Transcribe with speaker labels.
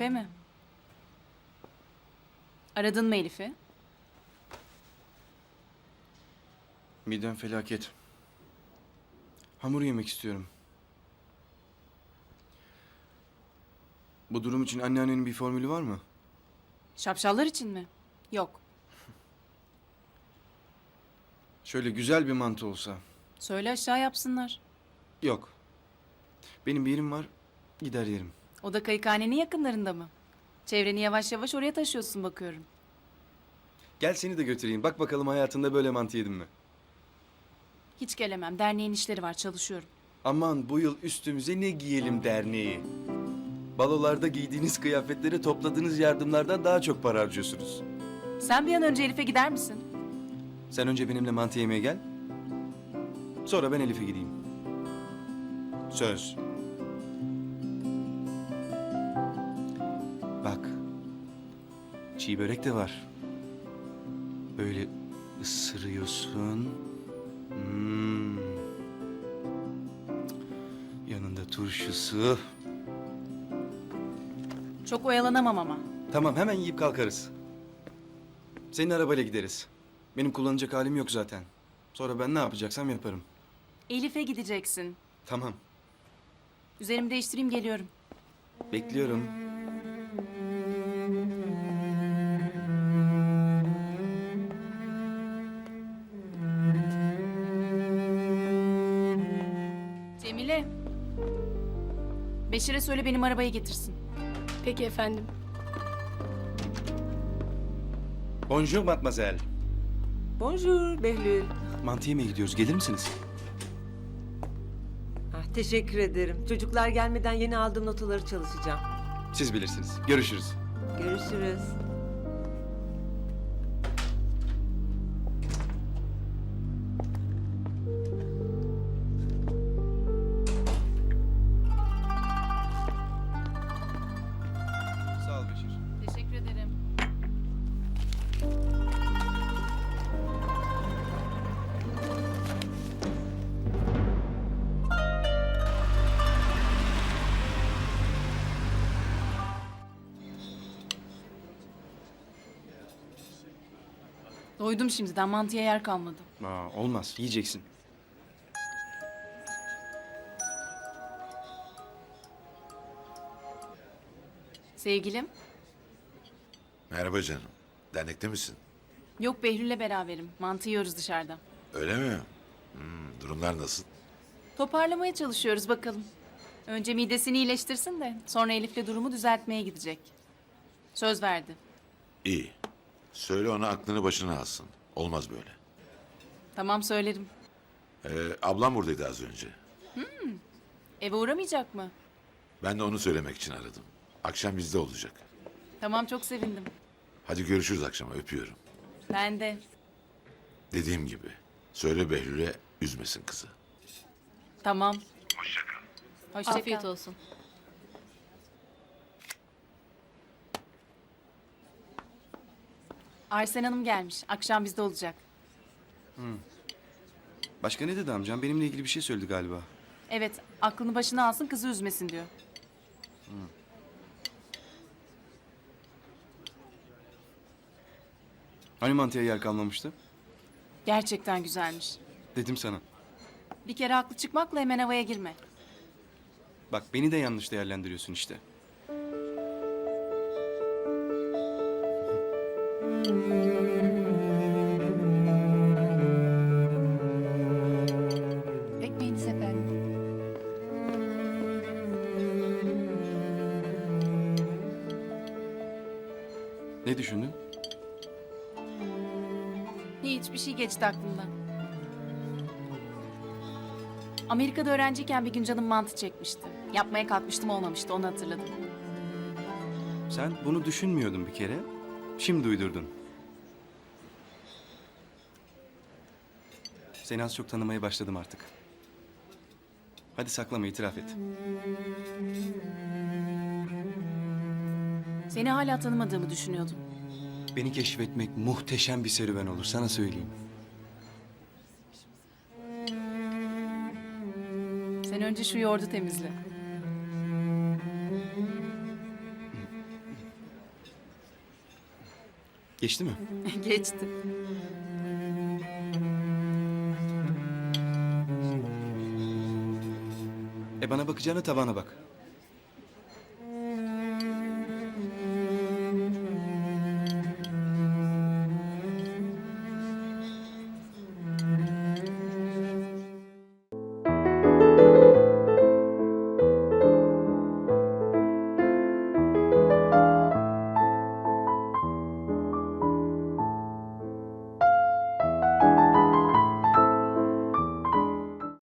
Speaker 1: Elif'e mi? Aradın mı Elif'i?
Speaker 2: Midem felaket. Hamur yemek istiyorum. Bu durum için anneannenin bir formülü var mı?
Speaker 1: Şapşallar için mi? Yok.
Speaker 2: Şöyle güzel bir mantı olsa.
Speaker 1: Söyle aşağı yapsınlar.
Speaker 2: Yok. Benim bir yerim var, gider yerim.
Speaker 1: O da kayıkhanenin yakınlarında mı? Çevreni yavaş yavaş oraya taşıyorsun bakıyorum.
Speaker 2: Gel seni de götüreyim. Bak bakalım hayatında böyle mantı yedin mi?
Speaker 1: Hiç gelemem. Derneğin işleri var. Çalışıyorum.
Speaker 2: Aman bu yıl üstümüze ne giyelim derneği. Balolarda giydiğiniz kıyafetlere topladığınız yardımlardan daha çok para harcıyorsunuz.
Speaker 1: Sen bir an önce Elif'e gider misin?
Speaker 2: Sen önce benimle mantı yemeye gel. Sonra ben Elif'e gideyim. Söz. Bak. Çiğ börek de var. Böyle ısırıyorsun. Hmm. Yanında turşusu.
Speaker 1: Çok oyalanamam ama.
Speaker 2: Tamam hemen yiyip kalkarız. Senin arabayla gideriz. Benim kullanacak halim yok zaten. Sonra ben ne yapacaksam yaparım.
Speaker 1: Elif'e gideceksin.
Speaker 2: Tamam.
Speaker 1: Üzerimi değiştireyim geliyorum.
Speaker 2: Bekliyorum.
Speaker 1: Cemile. Beşir'e söyle benim arabayı getirsin.
Speaker 3: Peki efendim.
Speaker 2: Bonjour mademoiselle.
Speaker 4: Bonjour Behlül.
Speaker 2: Mantı yemeye gidiyoruz. Gelir misiniz?
Speaker 4: Ah, teşekkür ederim. Çocuklar gelmeden yeni aldığım notaları çalışacağım.
Speaker 2: Siz bilirsiniz. Görüşürüz.
Speaker 4: Görüşürüz.
Speaker 2: Sağ ol Beşir.
Speaker 1: Teşekkür ederim. Doydum şimdiden. Mantıya yer kalmadı.
Speaker 2: Olmaz. Yiyeceksin.
Speaker 1: Sevgilim.
Speaker 5: Merhaba canım. Dernekte misin?
Speaker 1: Yok Behlül'le beraberim. Mantı yiyoruz dışarıda.
Speaker 5: Öyle mi? Durumlar nasıl?
Speaker 1: Toparlamaya çalışıyoruz bakalım. Önce midesini iyileştirsin de sonra Elif'le durumu düzeltmeye gidecek. Söz verdi.
Speaker 5: İyi. Söyle ona aklını başına alsın. Olmaz böyle.
Speaker 1: Tamam söylerim.
Speaker 5: Ablam buradaydı az önce.
Speaker 1: Eve uğramayacak mı?
Speaker 5: Ben de onu söylemek için aradım. Akşam bizde olacak.
Speaker 1: Tamam çok sevindim.
Speaker 5: Hadi görüşürüz akşama. Öpüyorum.
Speaker 1: Ben de.
Speaker 5: Dediğim gibi. Söyle Behlül'e üzmesin kızı.
Speaker 1: Tamam. Hoşça kal.
Speaker 3: Afiyet olsun.
Speaker 1: Arsen Hanım gelmiş. Akşam bizde olacak.
Speaker 2: Başka ne dedi amcam? Benimle ilgili bir şey söyledi galiba.
Speaker 1: Evet, aklını başına alsın, kızı üzmesin diyor.
Speaker 2: Hani mantıya yer kalmamıştı?
Speaker 1: Gerçekten güzelmiş.
Speaker 2: Dedim sana.
Speaker 1: Bir kere haklı çıkmakla hemen havaya girme.
Speaker 2: Bak beni de yanlış değerlendiriyorsun işte.
Speaker 3: Ekmeğiniz efendim.
Speaker 2: Ne düşündün?
Speaker 1: Hiçbir şey geçti aklımdan. Amerika'da öğrenciyken bir gün canım mantı çekmişti. Yapmaya kalkmıştım olmamıştı, onu hatırladım.
Speaker 2: Sen bunu düşünmüyordun bir kere. Şimdi uydurdun. Seni az çok tanımaya başladım artık. Hadi saklama, itiraf et.
Speaker 1: Seni hala tanımadığımı düşünüyordum.
Speaker 2: Beni keşfetmek muhteşem bir serüven olur, sana söyleyeyim.
Speaker 1: Sen önce şu yoğurdu temizle.
Speaker 2: Geçti mi?
Speaker 1: Geçti.
Speaker 2: Bana bakacağına tabağına bak.